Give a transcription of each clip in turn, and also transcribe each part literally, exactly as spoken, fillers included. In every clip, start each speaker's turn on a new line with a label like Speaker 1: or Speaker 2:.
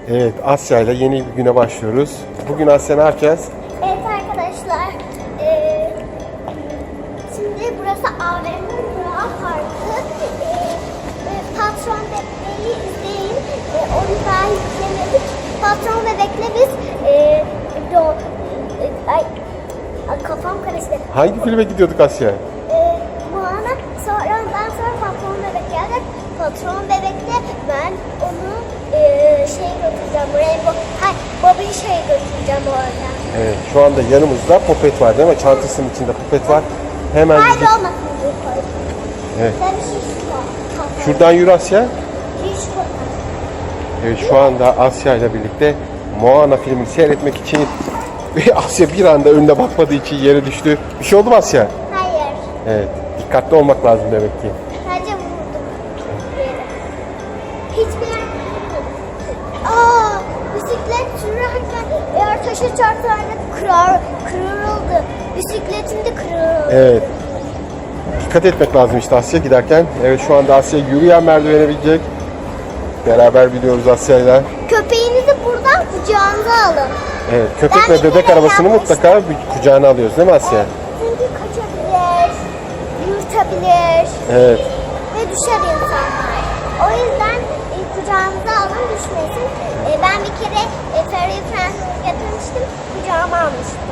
Speaker 1: Evet, Asya ile yeni bir güne başlıyoruz. Bugün Asya ne yapacağız?
Speaker 2: Evet arkadaşlar, eee, şimdi burası A V M Burak Parkı. Eee, e, Patron Bebek'i izleyin. Eee, onu daha izlemedik. Patron Bebek'le biz eee, do, e, ay, ay, kafam karıştı.
Speaker 1: Hangi filme gidiyorduk Asya?
Speaker 2: Eee Moana, sonra ondan sonra Patron Bebek geldi. Patron Bebek'te ben onu eee şey götüreceğim. Rainbow, hayır, Bobby'yi şey götüreceğim orada.
Speaker 1: Evet, şu anda yanımızda popet var değil mi? Çantasının içinde popet var. Hemen
Speaker 2: Hayır
Speaker 1: gidip...
Speaker 2: olmasın diye koydum.
Speaker 1: Evet.
Speaker 2: Ben bir şey var.
Speaker 1: Şuradan yürü Asya.
Speaker 2: Hiç koydum.
Speaker 1: Evet, şu anda Asya ile birlikte Moana filmini seyretmek için Asya bir anda önüne bakmadığı için yere düştü. Bir şey oldu mu Asya?
Speaker 2: Hayır.
Speaker 1: Evet, dikkatli olmak lazım demek ki.
Speaker 2: Sadece vurdum. Yere. Hiçbir yer vurmadım. Aa, bisiklet sürerken eğer taşa çarpsaydı kırar, kırıldı. Bisikletim de kırıldı.
Speaker 1: Evet. Dikkat etmek lazım işte Asya giderken. Evet, şu anda Asya yürüyen merdivene binecek. Beraber biliyoruz Asya'yla.
Speaker 2: Köpeğinizi buradan kucağınıza alın.
Speaker 1: Evet, köpek
Speaker 2: Ben
Speaker 1: ve
Speaker 2: bir
Speaker 1: bebek
Speaker 2: kere
Speaker 1: arabasını
Speaker 2: yapmıştım.
Speaker 1: mutlaka bir kucağına alıyoruz değil mi Asya?
Speaker 2: Çünkü kaçabilir, yırtabilir
Speaker 1: Evet.
Speaker 2: ve düşer insanlar. O yüzden e, kucağınıza alın, düşmesin. E, ben bir kere e, Fairy Friends'e getirmiştim, kucağıma almıştım.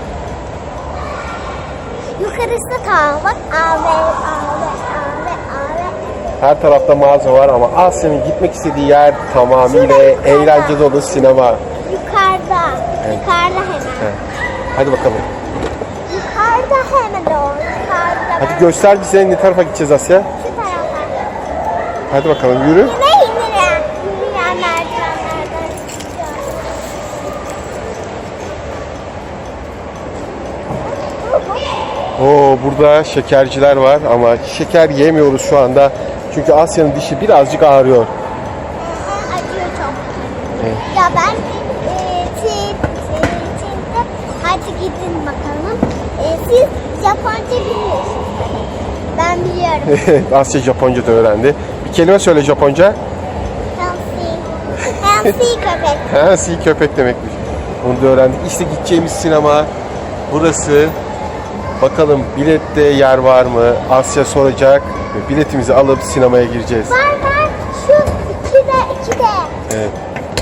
Speaker 2: Yukarısı ta bak, ağabey, ağabey, ağabey, ağabey.
Speaker 1: Her tarafta mağaza var ama Asya'nın gitmek istediği yer tamamıyla
Speaker 2: Şurada yukarıda.
Speaker 1: eğlence dolu sinema.
Speaker 2: Yukarıda,
Speaker 1: Evet.
Speaker 2: yukarıda hemen.
Speaker 1: Evet. Hadi bakalım.
Speaker 2: Yukarıda hemen o, yukarıda.
Speaker 1: Hadi
Speaker 2: Ben-
Speaker 1: göster bize ne tarafa gideceğiz Asya.
Speaker 2: Şu taraftan.
Speaker 1: Hadi bakalım yürü.
Speaker 2: Yine yürüyen, yürüyen merdivenlerden çıkacağız.
Speaker 1: Oo, burada şekerciler var ama şeker yemiyoruz şu anda. Çünkü Asya'nın dişi birazcık ağrıyor.
Speaker 2: Acıyor çok.
Speaker 1: Evet.
Speaker 2: Ya ben e, Çin, Çin, Çin'de hadi gidin bakalım. E, siz Japonca biliyorsunuz. Ben biliyorum.
Speaker 1: Asya Japonca da öğrendi. Bir kelime söyle Japonca.
Speaker 2: Healthy. Healthy köpek.
Speaker 1: Ha, si köpek demekmiş. Onu da öğrendik. İşte gideceğimiz sinema burası. Bakalım bilette yer var mı? Asya soracak ve biletimizi alıp sinemaya gireceğiz.
Speaker 2: Var var. Şu ikide, ikide.
Speaker 1: Evet.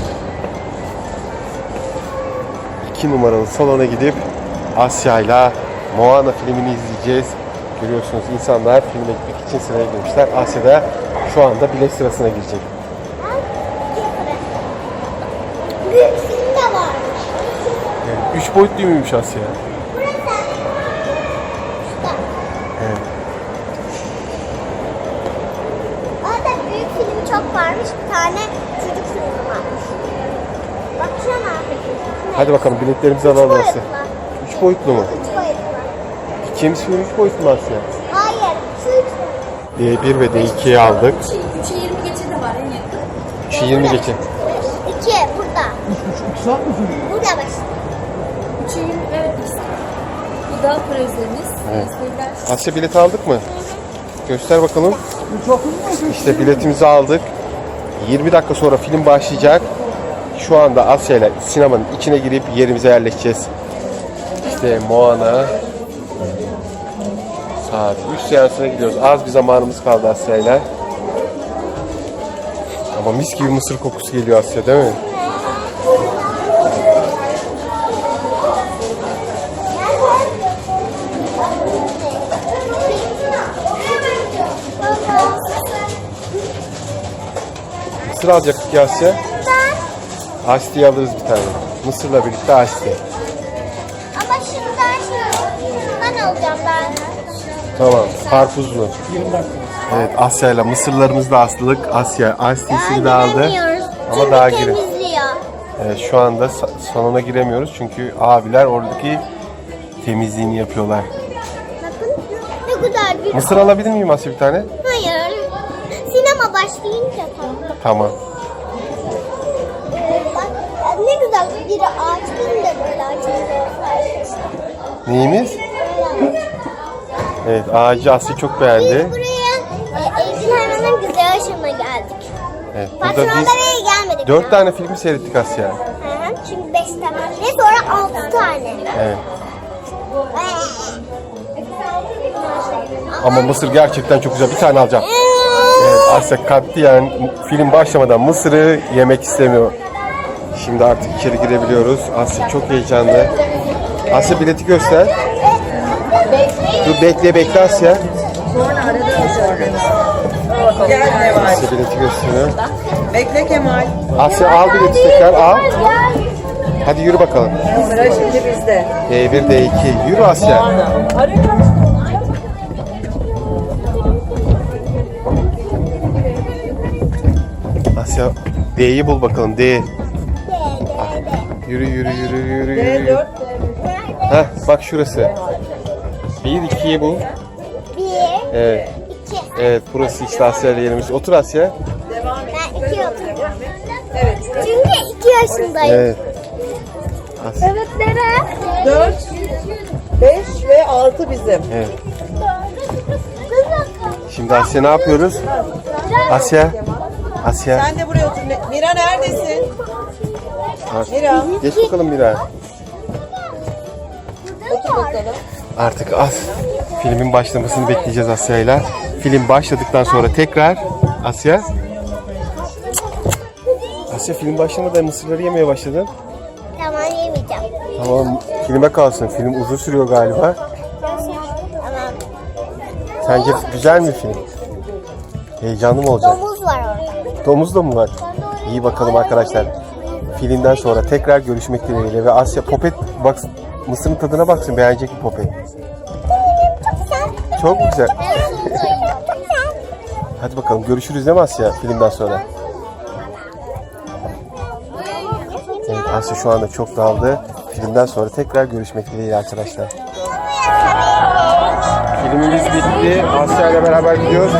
Speaker 1: İki numaralı salona gidip Asya'yla Moana filmini izleyeceğiz. Görüyorsunuz insanlar filme gitmek için sıraya girmişler. Asya da şu anda bilet sırasına girecek.
Speaker 2: Büyük film de varmış.
Speaker 1: Evet. Üç boyutlu muymuş Asya?
Speaker 2: Burası. Şurada.
Speaker 1: Evet.
Speaker 2: Orada büyük filmi çok varmış. Bir tane çocuk filmi varmış. Bakacağım artık.
Speaker 1: Hadi bakalım biletlerimizi
Speaker 2: Üç
Speaker 1: alalım
Speaker 2: boyutlu.
Speaker 1: Asya. Üç boyutlu mu?
Speaker 2: Üç boyutlu.
Speaker 1: Gideceğimiz film üç boyutlu mu Asya?
Speaker 2: Hayır. Şu üç boyutlu.
Speaker 1: D bir ve D ikiyi aldık.
Speaker 3: üçe yirmi geçe de var en yakın.
Speaker 1: üçe yirmi geçe.
Speaker 2: İki burada. Burada bak.
Speaker 3: üçe yirmi evet ikisi. Bu da projemiz.
Speaker 1: Evet.
Speaker 3: Sevgiler.
Speaker 1: Asya bileti aldık mı? Göster bakalım. İşte biletimizi aldık. yirmi dakika sonra film başlayacak. Şu anda Asya ile sinemanın içine girip yerimize yerleşeceğiz. İşte Moana. Saat üç seansına gidiyoruz. Az bir zamanımız kaldı Asya ile. Ama mis gibi mısır kokusu geliyor Asya değil mi? Mısır alacaktık ya Asya. Ice tea alırız bir tane. Mısırla birlikte ice tea.
Speaker 2: Ama şundan şundan alacağım ben.
Speaker 1: Tamam. Karpuzlu. Evet, Asya ile mısırlarımızı da astık. Asya ice tea'sini de aldı. Ama
Speaker 2: Çünkü
Speaker 1: daha girin.
Speaker 2: temizliyor.
Speaker 1: Evet, şu anda sa- salona giremiyoruz çünkü abiler oradaki temizliğini yapıyorlar.
Speaker 2: Bakın ne güzel bir...
Speaker 1: Mısır alabilir miyim Asya bir tane?
Speaker 2: Hayır. Sinema başlayınca tamam.
Speaker 1: Tamam.
Speaker 2: Ee, bak ne güzel bir ağaç değil de böyle açınca olsaydı.
Speaker 1: Neyimiz?
Speaker 2: Böyle.
Speaker 1: Evet, ağacı Asya çok beğendi.
Speaker 2: Biz buraya e, evcil hayvanların güzel yaşamına geldik.
Speaker 1: Evet, burada
Speaker 2: Patronda
Speaker 1: biz
Speaker 2: buraya gelmedik. izlemedik.
Speaker 1: Dört
Speaker 2: daha.
Speaker 1: tane filmi seyrettik Asya.
Speaker 2: Hı hı, çünkü beş tane ve sonra altı tane.
Speaker 1: Evet. Ama mısır gerçekten çok güzel. Bir tane alacağım. Evet, Asya katiyen film başlamadan mısırı yemek istemiyor. Şimdi artık içeri girebiliyoruz. Asya çok heyecanlı. Asya bileti göster. Dur bekle bekle Asya.
Speaker 4: Gel Neval.
Speaker 1: Asya bileti gösteriyor.
Speaker 4: Bekle Kemal.
Speaker 1: Asya al bileti tekrar al. Hadi yürü bakalım.
Speaker 4: Sıra şimdi bizde.
Speaker 1: D bir D iki. Yürü Asya. Asya D'yi bul bakalım. D. Yürü yürü yürü yürü
Speaker 4: D
Speaker 1: yürü.
Speaker 4: dört.
Speaker 1: Heh, bak şurası. Bir ikiyi bul.
Speaker 2: Bir,
Speaker 1: Evet.
Speaker 2: iki.
Speaker 1: Evet burası işte Asya ile yerimiz. Otur Asya.
Speaker 2: Ben iki oturacağım.
Speaker 4: Evet.
Speaker 2: Çünkü iki yaşındayım.
Speaker 1: Evet. Asya.
Speaker 2: Evet nere?
Speaker 4: dört, beş ve altı bizim.
Speaker 1: Evet. Şimdi Asya ne yapıyoruz? Asya. Asya.
Speaker 4: Sen de buraya otur. Mira neredesin? Mira.
Speaker 1: Geç bakalım Mira.
Speaker 4: Otur bakalım.
Speaker 1: Artık az filmin başlamasını bekleyeceğiz Asya'yla. Film başladıktan sonra tekrar Asya. Asya film başlamadan mısırları yemeye başladın.
Speaker 2: Tamam yemeyeceğim.
Speaker 1: Tamam filme kalsın. Film uzun sürüyor galiba.
Speaker 2: Tamam.
Speaker 1: Sence güzel mi film? Heyecanlı mı olacak?
Speaker 2: Domuz var orada.
Speaker 1: Domuz da mı var? İyi bakalım arkadaşlar. Filmden sonra tekrar görüşmek dileğiyle ve Asya Popet bak mısırın tadına baksın, beğenecek mi Popet? Çok güzel. Hadi bakalım görüşürüz değil mi Asya filmden sonra? Evet Asya şu anda çok daldı. Filmden sonra tekrar görüşmek dileğiyle arkadaşlar. Filmimiz bitti. Asya ile beraber gidiyoruz.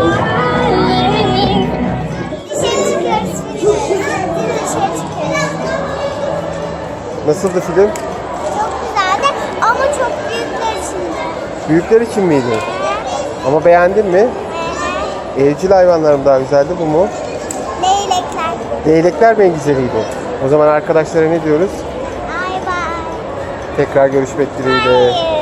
Speaker 1: Nasıldı film?
Speaker 2: Çok güzeldi ama çok büyükler içinde.
Speaker 1: Büyükler için miydi? Ama beğendin mi? Evcil hayvanlar mı daha güzeldi, bu mu?
Speaker 2: Leylekler.
Speaker 1: Leylekler mi en güzeliydi? O zaman arkadaşlara ne diyoruz?
Speaker 2: Ay bay.
Speaker 1: Tekrar görüşmek dileğiyle.
Speaker 2: Hayır.